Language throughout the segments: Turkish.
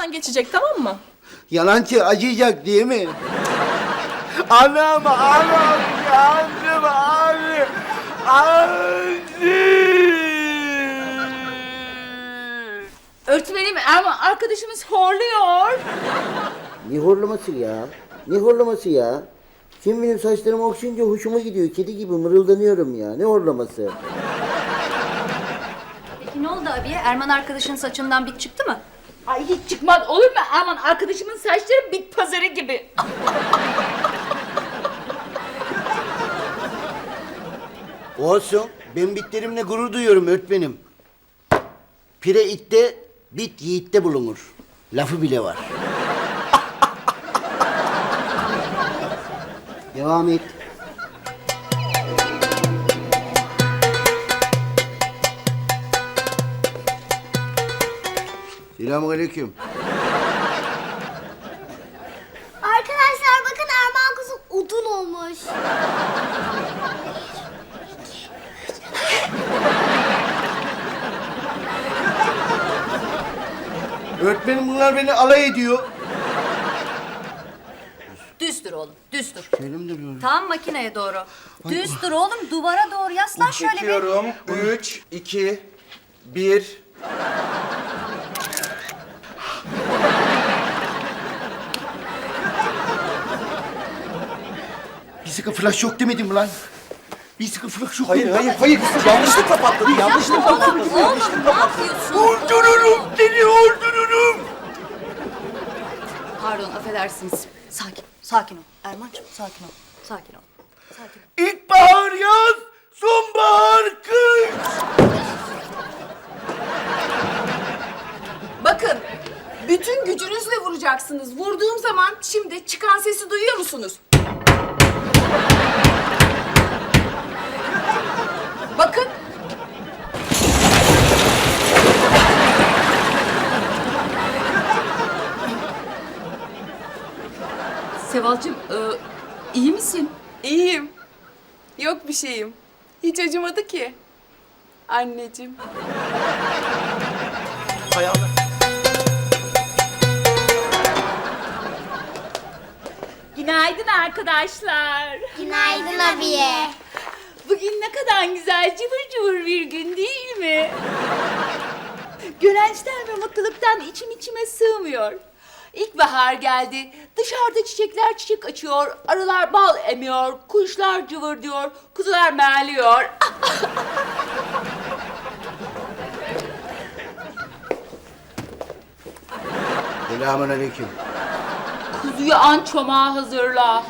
Hemen geçecek, tamam mı? Yalancı acıyacak değil mi? Anam, anam, yandım abi. Anne. Öğretmenim Erman arkadaşımız horluyor. Ne horlaması ya? Ne horlaması ya? Kim benim saçlarımı okşayınca hoşuma gidiyor. Kedi gibi mırıldanıyorum ya. Ne horlaması? Peki ne oldu abiye? Erman arkadaşın saçından bit çıktı mı? Ay hiç çıkmaz olur mu Erman arkadaşımın saçları bit pazarı gibi. Olsun. Ben bitlerimle gurur duyuyorum öğretmenim. Pire itte, bit yiğitte bulunur. Lafı bile var. Devam et. Selamünaleyküm. Arkadaşlar bakın Erman kuzu odun olmuş. Öğretmenim bunlar beni alay ediyor. Düz dur oğlum, düz dur. Şöyle mi duruyorum? Tam makineye doğru. Düz dur oğlum, duvara doğru yaslan şöyle bir. Çekiyorum. 3, 2, 1. Bir sıkı flash yok demedim mi lan? Bir sıkı flash yok Hayır, demedim. hayır, hayır. Yanlışlıkla patladı. Yanlışlıkla Oğlum, patladı. oğlum ne yapıyorsun? Öldürürüm seni, öldürürüm. Pardon, affedersiniz. Sakin, sakin ol. Erman'cığım sakin ol. Sakin ol. Sakin ol. İlkbahar yaz, sonbahar kış. Bakın, bütün gücünüzle vuracaksınız. Vurduğum zaman şimdi çıkan sesi duyuyor musunuz? Bakın. Sevalcığım iyi misin? İyiyim. Yok bir şeyim. Hiç acımadı ki. Anneciğim. Ayağına. Günaydın arkadaşlar. Günaydın abiye. Bugün ne kadar güzel cıvır cıvır bir gün değil mi? Gönençten ve mutluluktan içim içime sığmıyor. İlkbahar geldi. Dışarıda çiçekler çiçek açıyor. Arılar bal emiyor. Kuşlar cıvır diyor. Kuzular meğliyor. Selamünaleyküm. Kuzuyu an çomağı hazırla.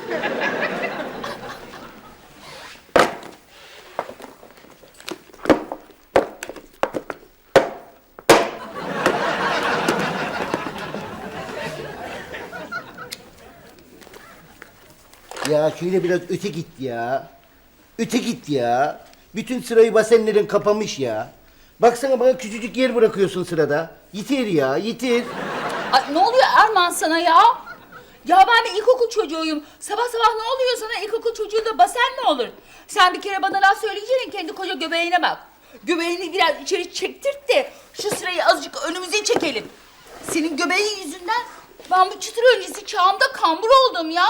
Ya şöyle biraz öte git ya. Öte git ya. Bütün sırayı basenlerin kapamış ya. Baksana bana küçücük yer bırakıyorsun sırada. Yitir ya, yitir. Ay, ne oluyor Erman sana ya? Ya ben bir ilkokul çocuğuyum. Sabah sabah ne oluyor sana? İlkokul çocuğu da basen mi olur? Sen bir kere bana laf söyleyeceksin, kendi koca göbeğine bak. Göbeğini biraz içeri çektirt de şu sırayı azıcık önümüze çekelim. Senin göbeğin yüzünden ben bu çıtır öncesi çağımda kambur oldum ya.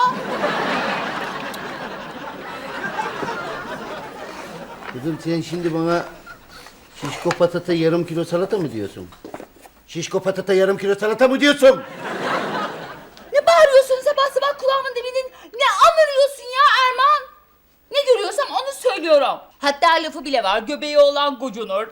Kızım sen şimdi bana şişko patata yarım kilo salata mı diyorsun? Şişko patata yarım kilo salata mı diyorsun? Ne bağırıyorsun sabah sabah kulağımın dibinin? Ne anırıyorsun ya Erman? Ne görüyorsam onu söylüyorum. Hatta lafı bile var, göbeği olan gocunur.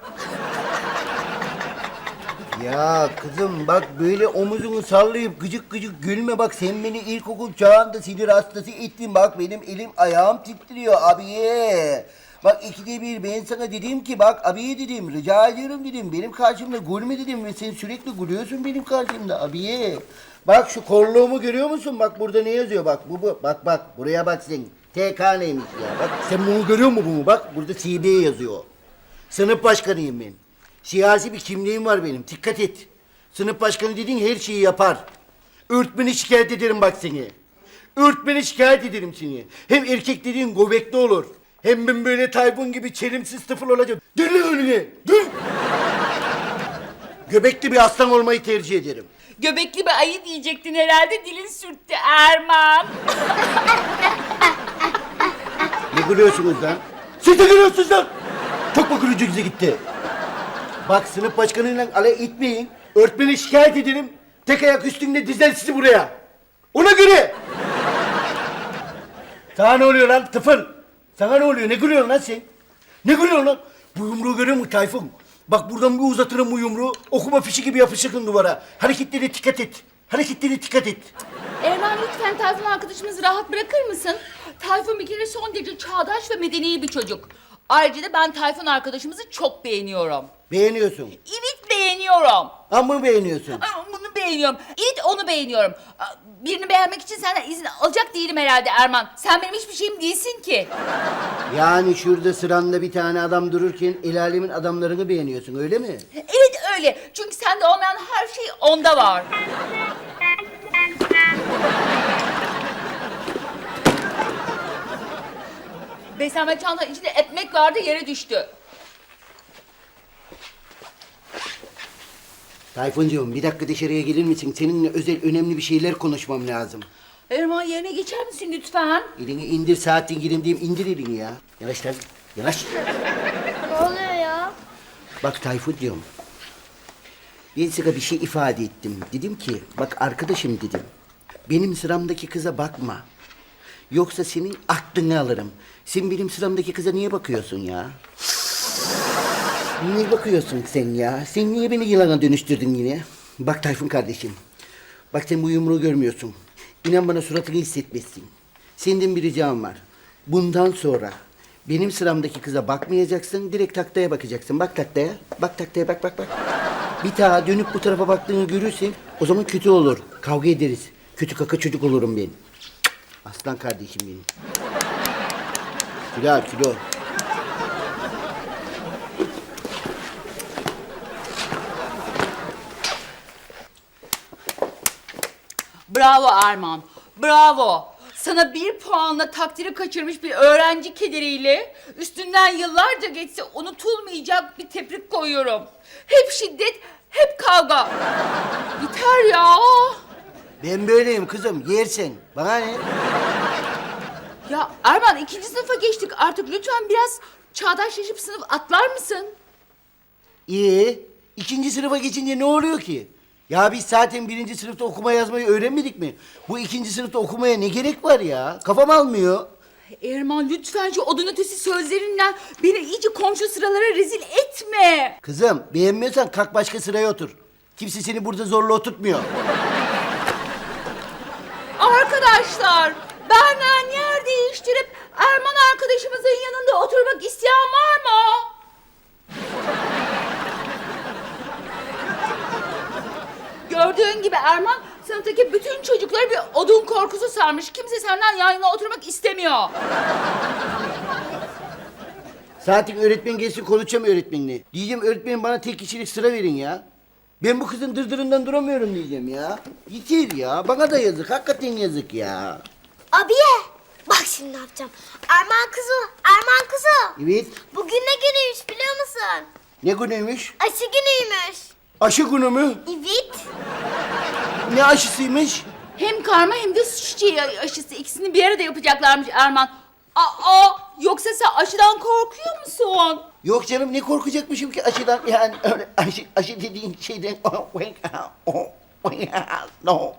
Ya kızım bak böyle omuzunu sallayıp gıcık gıcık gülme bak sen beni ilkokul çağında sinir hastası ettin bak benim elim ayağım titriyor abiye. Bak ikide bir ben sana dedim ki bak abiye dedim rica ediyorum dedim benim karşımda gülme dedim ve sen sürekli gülüyorsun benim karşımda abiye. Bak şu kolluğumu görüyor musun bak burada ne yazıyor bak bu bak buraya bak sen TK neymiş ya bak sen bunu görüyor musun bunu bak burada CB yazıyor. Sınıf başkanıyım ben. Siyasi bir kimliğim var benim. Dikkat et. Sınıf başkanı dediğin her şeyi yapar. Öğretmeni şikayet ederim bak seni. Öğretmeni şikayet ederim seni. Hem erkek dediğin göbekli olur. Hem ben böyle Tayfun gibi çelimsiz tıfıl olacağım. Dön lan önüne. Dön. Göbekli bir aslan olmayı tercih ederim. Göbekli bir ayı diyecektin herhalde, dilin sürttü Erman. Ne gülüyorsunuz lan? Siz de gülüyorsunuz lan! Çok mu gülücüğünüze gitti? Bak sınıf başkanıyla alay etmeyin. Öğretmeni şikayet ederim. Tek ayak üstünde dizer sizi buraya. Ona göre. Sana ne oluyor lan tıfıl? Sana ne oluyor? Ne gülüyorsun lan sen? Ne gülüyorsun lan? Bu yumruğu görüyor musun Tayfun? Bak buradan bir uzatırım bu yumruğu. Okuma fişi gibi yapışırsın duvara. Hareketlere dikkat et. Hareketlere dikkat et. Erman lütfen Tayfun arkadaşımızı rahat bırakır mısın? Tayfun bir kere son derece çağdaş ve medeni bir çocuk. Ayrıca da ben Tayfun arkadaşımızı çok beğeniyorum. Beğeniyorsun. Evet beğeniyorum. Ama beğeniyorsun. Bunu beğeniyorum. Evet onu beğeniyorum. Birini beğenmek için senden izin alacak değilim herhalde Erman. Sen benim hiçbir şeyim değilsin ki. Yani şurada sıranda bir tane adam dururken el alemin adamlarını beğeniyorsun öyle mi? Evet öyle. Çünkü sende olmayan her şey onda var. Beslenme çantanın içinde ekmek vardı, yere düştü. Tayfuncuğum bir dakika dışarıya gelir misin? Seninle özel önemli bir şeyler konuşmam lazım. Erman yerine geçer misin lütfen? Elini indir saatin girin diyeyim indir elini ya. Yanaş lan yanaş. Ne oluyor ya? Bak Tayfun diyorum. Ben sana bir şey ifade ettim. Dedim ki bak arkadaşım dedim. Benim sıramdaki kıza bakma. Yoksa senin aklını alırım. Sen benim sıramdaki kıza niye bakıyorsun ya? Niye bakıyorsun sen ya? Sen niye beni yılana dönüştürdün yine? Bak Tayfun kardeşim. Bak sen bu yumruğu görmüyorsun. İnan bana suratını hissetmezsin. Senden bir ricam var. Bundan sonra benim sıramdaki kıza bakmayacaksın. Direkt taktaya bakacaksın. Bak taktaya. Bak taktaya bak bak bak. Bir daha dönüp bu tarafa baktığını görürsen o zaman kötü olur. Kavga ederiz. Kötü kaka çocuk olurum ben. Aslan kardeşim benim. Kilo al, kilo. Bravo Erman, bravo. Sana 1 puanla takdiri kaçırmış bir öğrenci kederiyle üstünden yıllarca geçse unutulmayacak bir tebrik koyuyorum. Hep şiddet, hep kavga. Biter ya. Ben böyleyim kızım. Yersen. Bana ne? Ya Erman 2. sınıfa geçtik artık, lütfen biraz çağdaşlaşıp sınıf atlar mısın? İyi. 2. sınıfa geçince ne oluyor ki? Ya biz zaten 1. sınıfta okuma yazmayı öğrenmedik mi? Bu 2. sınıfta okumaya ne gerek var ya? Kafam almıyor. Erman lütfen şu odun ötesi sözlerinden beni iyice komşu sıralara rezil etme. Kızım beğenmiyorsan kalk başka sıraya otur. Kimse seni burada zorla oturtmuyor. Arkadaşlar, benden yer değiştirip Erman arkadaşımızın yanında oturmak isteyen var mı? Gördüğün gibi Erman, sınıftaki bütün çocukları bir odun korkusu sarmış. Kimse senden yan yana oturmak istemiyor. Zaten öğretmen gelsin konuşacağım öğretmenle. Diyeceğim öğretmenim bana tek kişilik sıra verin ya. Ben bu kızın dırdırından duramıyorum diyeceğim ya. Yeter ya. Bana da yazık. Hakikaten yazık ya. Abiye. Bak şimdi ne yapacağım. Erman kızı. Erman kızı. Evet. Bugün ne günüymüş biliyor musun? Ne günüymüş? Aşı günüymüş. Aşı günü mü? Evet. Ne aşısıymış? Hem karma hem de su çiçeği aşısı, ikisini bir arada yapacaklarmış Erman. Aa, yoksa sen aşıdan korkuyor musun? Yok canım ne korkacakmışım ki aşıdan yani öyle aşı dediğin şeyden no.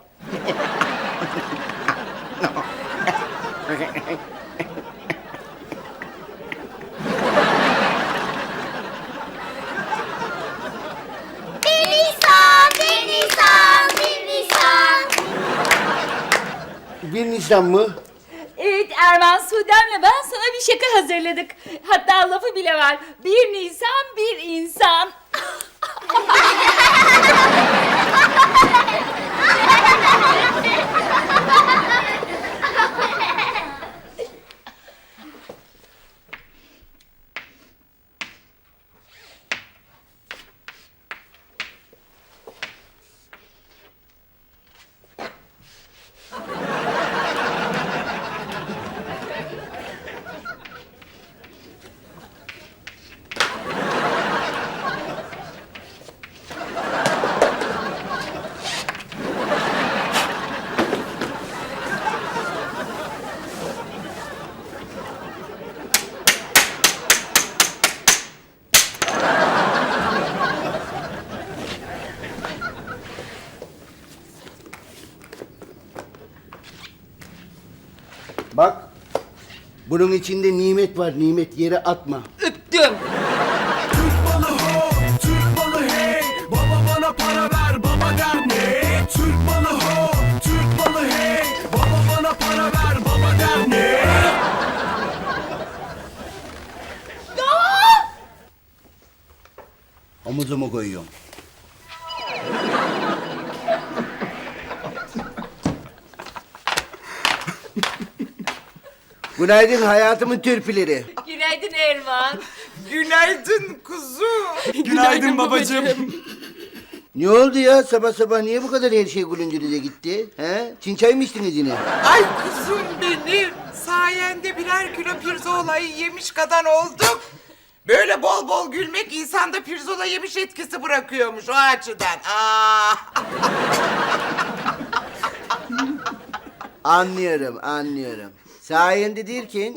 Bir Nisan, bir Nisan, bir Nisan. 1 Nisan mı? Evet Erman, Sude'mle ben sana bir şaka hazırladık. Hatta lafı bile var. 1 Nisan bir insan. Bak. Bunun içinde nimet var. Nimet yere atma. Öptüm. Türk balı ho, Türk balı hey. Baba bana para ver, baba der ne? Türk balı ho, Türk balı hey. Baba bana para ver, baba der ne? Omuzuma koyuyorum. Günaydın hayatımın türpüleri. Günaydın Erman. Günaydın kuzu. Günaydın babacığım. Ne oldu ya sabah sabah niye bu kadar her şey gülüncünüze gitti? He? Çin çay mı içtiniz yine? Ay kuzum benim. Sayende birer kilo pirzolayı yemiş kadar olduk. Böyle bol bol gülmek insanda pirzola yemiş etkisi bırakıyormuş o açıdan. Anlıyorum. Sayende derken...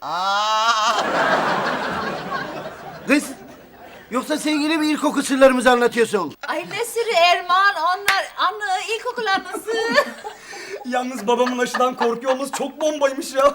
Kız, yoksa sen yine mi ilkokul sırlarımızı anlatıyorsun? Ay ne sırrı Erman? Onlar anı, ilkokul anısı. Yalnız babamın aşıdan korkuyor olması çok bombaymış ya.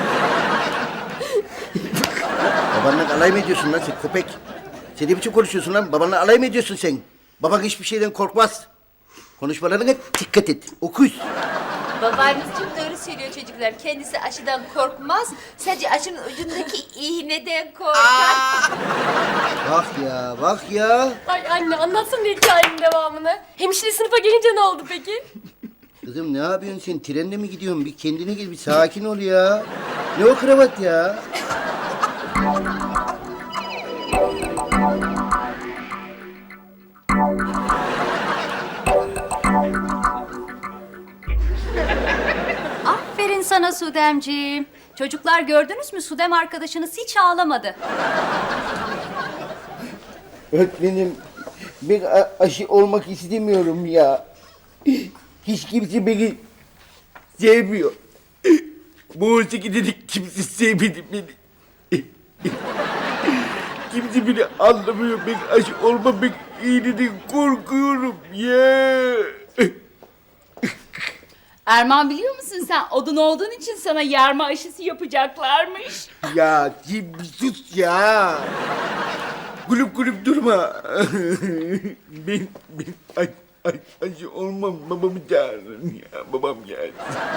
Babanla alay mı ediyorsun lan sen köpek? Sen ne biçim konuşuyorsun lan? Babanla alay mı ediyorsun sen? Baban hiçbir şeyden korkmaz. Konuşmalarına dikkat et. Okuyuz. Babanız çok doğru söylüyor çocuklar. Kendisi aşıdan korkmaz. Sadece aşının ucundaki iğneden korkar. Bak ya. Ay anne anlatsana hikayenin devamını. Hemşire sınıfa gelince ne oldu peki? Kızım ne yapıyorsun sen? Trenle mi gidiyorsun? Bir kendine gel, bir sakin ol ya. Ne o kravat ya? Aferin sana Sudemciğim. Çocuklar gördünüz mü? Sudem arkadaşınız hiç ağlamadı. Öğretmenim, ben aşı olmak istemiyorum ya. Hiç kimse beni sevmiyor. Bu 18'de de kimse sevmedi beni. Kimse beni anlamıyor. Ben aşı olmamak iyiliğinden korkuyorum ya. Erman biliyor musun sen odun olduğun için sana yarma aşısı yapacaklarmış. Ya kim sus ya. Gülüp durma. ben acı olmam, babamı çağırın ya, babam geldi.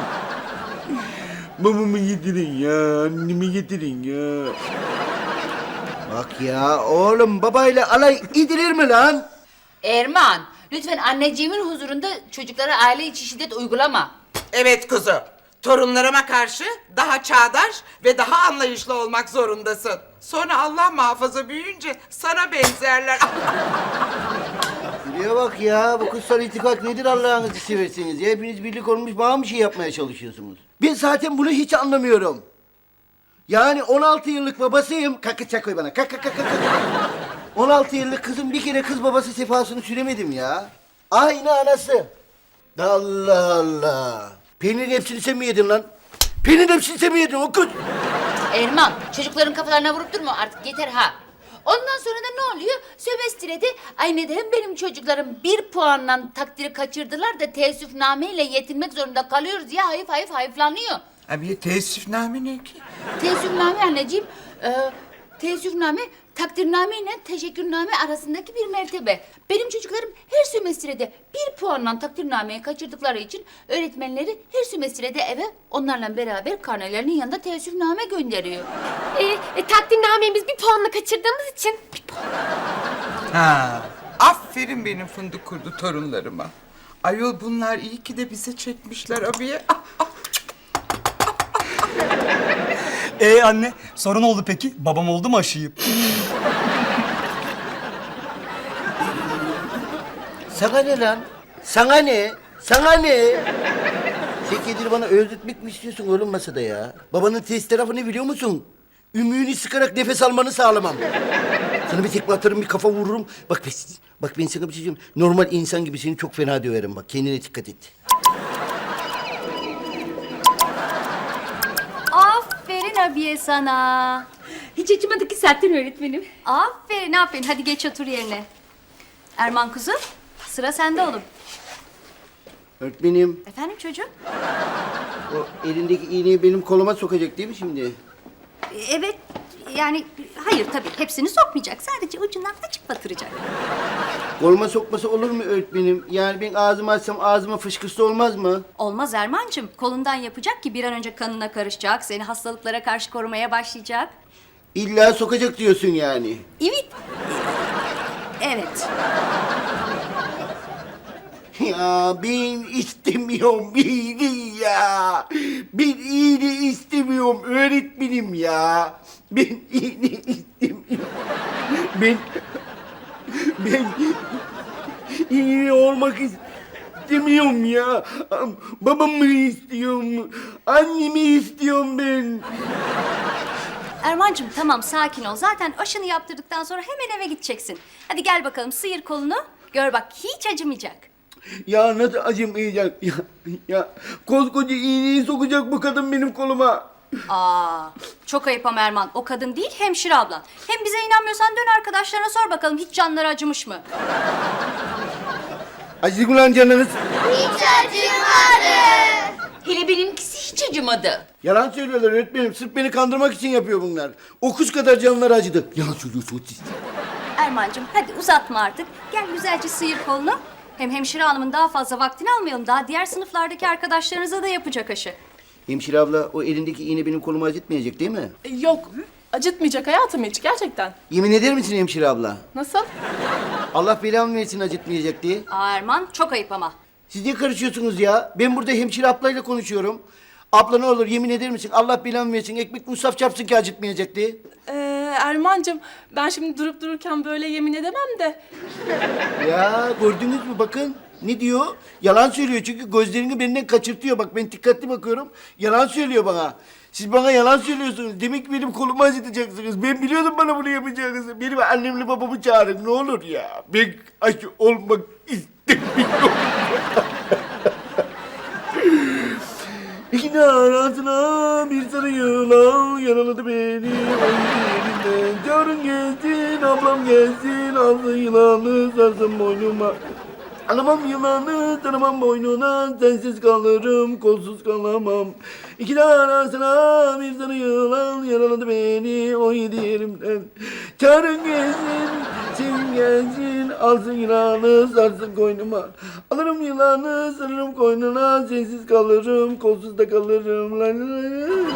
Babamı getirin ya, annemi getirin ya. Bak ya oğlum, babayla alay edilir mi lan? Erman lütfen anneciğimin huzurunda çocuklara aile içi şiddet uygulama. Evet kuzu. Torunlarıma karşı daha çağdaş ve daha anlayışlı olmak zorundasın. Sonra Allah muhafaza büyüyünce sana benzerler. Şuraya bak ya, bu kutsal itikat nedir Allah'ınızı seversiniz ya? Hepiniz birlik olmuş bana bir şey yapmaya çalışıyorsunuz. Ben zaten bunu hiç anlamıyorum. Yani 16 yıllık babasıyım. Kalk çak koy bana. Kalk. 16 yıllık kızım bir kere kız babası sefasını süremedim ya. Aynı anası. Allah. Peynirin hepsini sen mi yedin lan? Peynirin hepsini sen mi yedin o kız? Erman çocukların kafalarına vurup durma artık yeter ha. Ondan sonra da ne oluyor? Sömestrede ay neden benim çocuklarım 1 puanla takdiri kaçırdılar da teessüfnameyle yetinmek zorunda kalıyoruz diye hayıflanıyor. Abi teessüfname ne ki? Teessüfname anneciğim, teessüfname takdirname ile teşekkürname arasındaki bir mertebe. Benim çocuklarım her sömestrede 1 puanla takdirnameyi kaçırdıkları için öğretmenleri her sömestrede eve onlarla beraber karnelerinin yanında teessüfname gönderiyor. Takdirnameyi biz 1 puanla kaçırdığımız için. Ha. Aferin benim fındık kurdu torunlarıma. Ayol bunlar iyi ki de bize çekmişler abiye. Anne sorun oldu peki? Babam oldu mu aşıyı? Sana ne lan? Sana ne? Sen kendini bana öldürtmek mi istiyorsun oğlum masada ya? Babanın test tarafını biliyor musun? Ümüğünü sıkarak nefes almanı sağlamam. Sana bir tekme atarım, bir kafa vururum. Bak ben sana bir şey diyeyim. Normal insan gibi seni çok fena döverim bak. Kendine dikkat et. Aferin abiye sana. Hiç acımadı ki zaten öğretmenim. Aferin. Hadi geç otur yerine. Erman kuzu, sıra sende oğlum. Öğretmenim, Efendim çocuğum? o elindeki iğneyi benim koluma sokacak değil mi şimdi? Evet, yani hayır tabii hepsini sokmayacak. Sadece ucundan açıp batıracak. Koluma sokması olur mu öğretmenim? Yani ben ağzımı açsam ağzıma fışkırsa olmaz mı? Olmaz Erman'cığım. Kolundan yapacak ki bir an önce kanına karışacak. Seni hastalıklara karşı korumaya başlayacak. İlla sokacak diyorsun yani. Evet. Evet. Ya ben istemiyorum iğne ya. Ben iğne istemiyorum öğretmenim ya. Ben iğne istemiyorum. Ben iğne olmak istemiyorum ya. Babamı istiyorum. Annemi istiyorum ben. Erman'cığım tamam sakin ol. Zaten aşını yaptırdıktan sonra hemen eve gideceksin. Hadi gel bakalım sıyır kolunu. Gör bak hiç acımayacak. Ya nasıl acımayacak ya koskoca iğneyi sokacak bu kadın benim koluma. Aa, çok ayıp ama Erman. O kadın değil hemşire ablan. Hem bize inanmıyorsan dön arkadaşlarına sor bakalım hiç canları acımış mı? Acık ulan canınız. Hiç acımadı. Hele benimkisi hiç acımadı. Yalan söylüyorlar öğretmenim. Sırf beni kandırmak için yapıyor bunlar. O kuş kadar canları acıdı. Yalan söylüyorsunuz siz. Erman'cığım hadi uzatma artık. Gel güzelce sıyır kolunu. Hem hemşire hanımın daha fazla vaktini almayalım. Daha diğer sınıflardaki arkadaşlarınıza da yapacak aşı. Hemşire abla o elindeki iğne benim kolumu acıtmayacak değil mi? Yok. Acıtmayacak hayatım hiç gerçekten. Yemin eder misin hemşire abla? Nasıl? Allah belamı versin acıtmayacak diye. Aa Erman çok ayıp ama. Siz niye karışıyorsunuz ya? Ben burada hemşire ablayla konuşuyorum. Abla ne olur yemin eder misin? Allah belamı versin. Ekmek musaf çarpsın ki acıtmayacak diye. Erman'cığım ben şimdi durup dururken böyle yemin edemem de. Ya gördünüz mü bakın. Ne diyor? Yalan söylüyor çünkü gözlerini benden kaçırtıyor. Bak ben dikkatli bakıyorum. Yalan söylüyor bana. Siz bana yalan söylüyorsunuz. Demek ki benim kolumu acıtacaksınız. Ben biliyordum bana bunu yapacağınızı. Benim annemle babamı çağırın ne olur ya. Ben aşı olmak istemiyorum. İki arasına bir sarı yılan yaraladı beni. Ay elinden. Çağırın gelsin, ablam gelsin. Alsın yılanı sarsın boynuma. Alamam yılanı, tanımam boynuna, sensiz kalırım, kolsuz kalamam. İki arasına bir sarı yılan yaraladı beni, 17 yerimden. Çağırın gelsin, sevim gelsin, alsın yılanı, sarsın koynuma. Alırım yılanı, sarırım koynuna, sensiz kalırım, kolsuz da kalırım. La la la.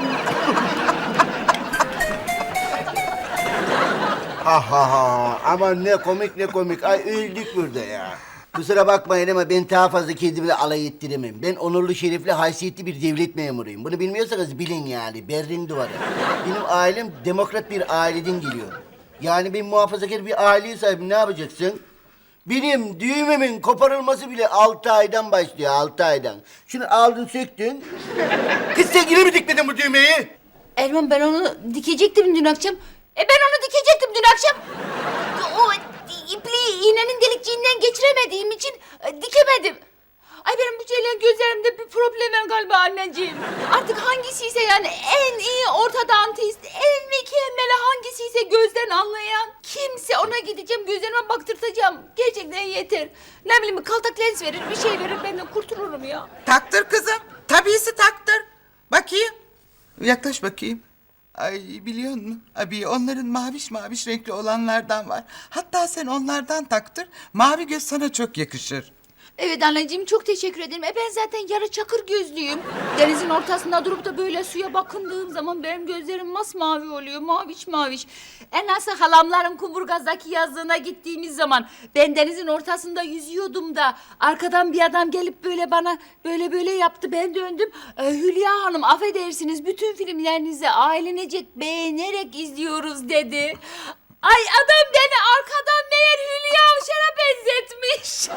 Ha ha ha, aman ne komik ne komik, ay öldük burada ya. Kusura bakmayın ama ben daha fazla kendimle alay ettiremem. Ben onurlu, şerefli, haysiyetli bir devlet memuruyum. Bunu bilmiyorsanız bilin yani. Berlin duvarı. Benim ailem demokrat bir aileden geliyor. Yani ben muhafazakar bir aileye sahibim. Ne yapacaksın? Benim düğmemin koparılması bile 6 aydan başlıyor, 6 aydan. Şunu aldın, söktün. Kız sen yine mi dikmedin bu düğmeyi? Erman ben onu dikecektim dün akşam. Ben onu dikecektim dün akşam. O ipliği iğnenin delikçiğinden geçiremediğim için dikemedim. Ay benim bu şeylerin gözlerimde bir problem var galiba anneciğim. Artık hangisiyse yani en iyi ortodontist, en mükemmeli hangisiyse gözden anlayan kimse ona gideceğim gözlerime baktırtacağım. Gerçekten yeter. Ne bileyim kaltak lens verir bir şey verir ben de kurtulurum ya. Taktır kızım. Tabisi taktır. Bakayım. Yaklaş bakayım. Ay biliyor musun? Abi onların maviş maviş renkli olanlardan var. Hatta sen onlardan taktır. Mavi göz sana çok yakışır. Evet anneciğim çok teşekkür ederim. Ben zaten yarı çakır gözlüyüm. Denizin ortasında durup da böyle suya bakındığım zaman benim gözlerim masmavi oluyor. Maviş maviş. Nasıl halamların Kumburgaz'daki yazlığına gittiğimiz zaman ben denizin ortasında yüzüyordum da arkadan bir adam gelip böyle bana böyle yaptı. Ben döndüm. Hülya Hanım affedersiniz bütün filmlerinizi ailenecek beğenerek izliyoruz dedi. Ay adam beni arkadan meğer Hülya Avşar'a benzetmiş.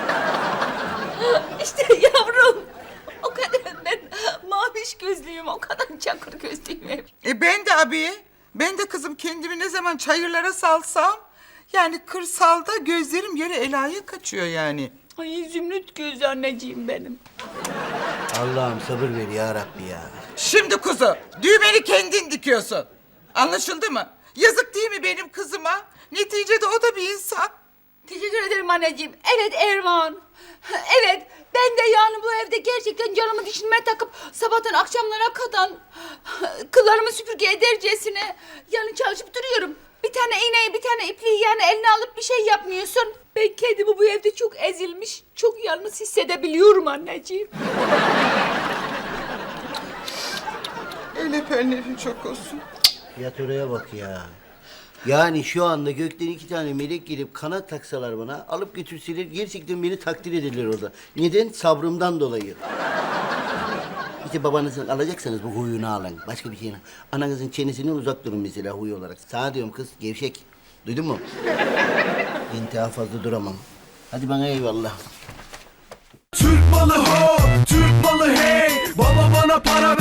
İşte yavrum. O kadar ben maviş gözlüyüm, o kadar çakır gözlüyüm hep. Ben de abi. Ben de kızım kendimi ne zaman çayırlara salsam... yani kırsalda gözlerim yere elaya kaçıyor yani. Ay zümrüt gözlü anneciğim benim. Allah'ım sabır ver ya Rabbi ya. Şimdi kuzu, düğmeni kendin dikiyorsun. Anlaşıldı mı? Yazık değil mi benim kızıma? Neticede o da bir insan. Teşekkür ederim anneciğim. Evet Erman. Evet ben de yani bu evde gerçekten canımı düşünmeye takıp sabahtan akşamlara kadar kıllarımı süpürge edercesine yani çalışıp duruyorum. Bir tane iğneyi, bir tane ipliği yani eline alıp bir şey yapmıyorsun. Ben kendimi bu evde çok ezilmiş, çok yalnız hissedebiliyorum anneciğim. Öyle önlerin çok olsun. Yat oraya bak ya. Yani şu anda gökten 2 tane melek gelip kanat taksalar bana, alıp götürseler gerçekten beni takdir ederler orada. Neden? Sabrımdan dolayı. İşte babanızın alacaksanız bu huyunu alın. Başka bir şeyine. Ananızın çenesinden uzak durun mesela huy olarak. Sana diyorum kız, gevşek. Duydun mu? Ben daha fazla duramam. Hadi bana eyvallah. Türk malı ho, Türk malı hey. Baba bana para ver.